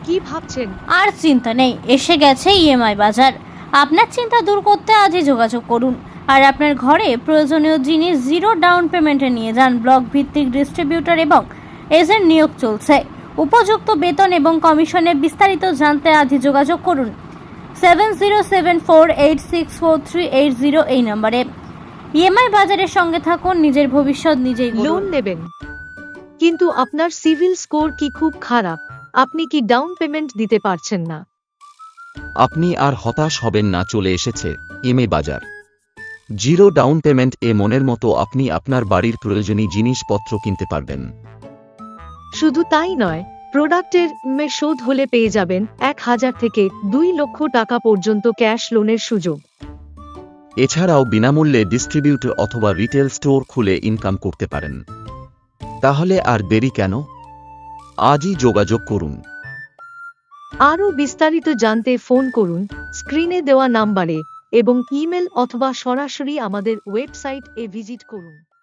কি ভাবছেন? আর চিন্তা নেই, এসে গেছে ইএমআই বাজার। আপনার চিন্তা দূর করতে আজই যোগাযোগ করুন আর আপনার ঘরে প্রয়োজনীয় জিনিস জিরো ডাউন পেমেন্টে নিয়ে যান। ব্লক ভিত্তিক ডিস্ট্রিবিউটর এবং এজেন্ট নিয়োগ চলছে। উপযুক্ত বেতন এবং কমিশনের বিস্তারিত জানতে আজই যোগাযোগ করুন 7074864380 এই নম্বরে। ইএমআই বাজারের সঙ্গে থাকুন, নিজের ভবিষ্যৎ নিজেই লোন গড়ুন। নেবেন, কিন্তু আপনার সিভিল স্কোর কি খুব খারাপ? আপনি কি ডাউন পেমেন্ট দিতে পারছেন না? আপনি আর হতাশ হবেন না, চলে এসেছে ইএমআই বাজার। জিরো ডাউন পেমেন্ট এ মনের মতো আপনি আপনার বাড়ির প্রয়োজনীয় জিনিসপত্র কিনতে পারবেন। শুধু তাই নয়, প্রোডাক্টের শোধ হলে পেয়ে যাবেন 1000 থেকে 2 লক্ষ টাকা পর্যন্ত ক্যাশ লোনের সুযোগ। এছাড়াও বিনামূল্যে ডিস্ট্রিবিউটর অথবা রিটেল স্টোর খুলে ইনকাম করতে পারেন। তাহলে আর দেরি কেন? আজই যোগাযোগ করুন। আরও বিস্তারিত জানতে ফোন করুন স্ক্রিনে দেওয়া নাম্বারে এবং ইমেল অথবা সরাসরি আমাদের ওয়েবসাইট এ ভিজিট করুন।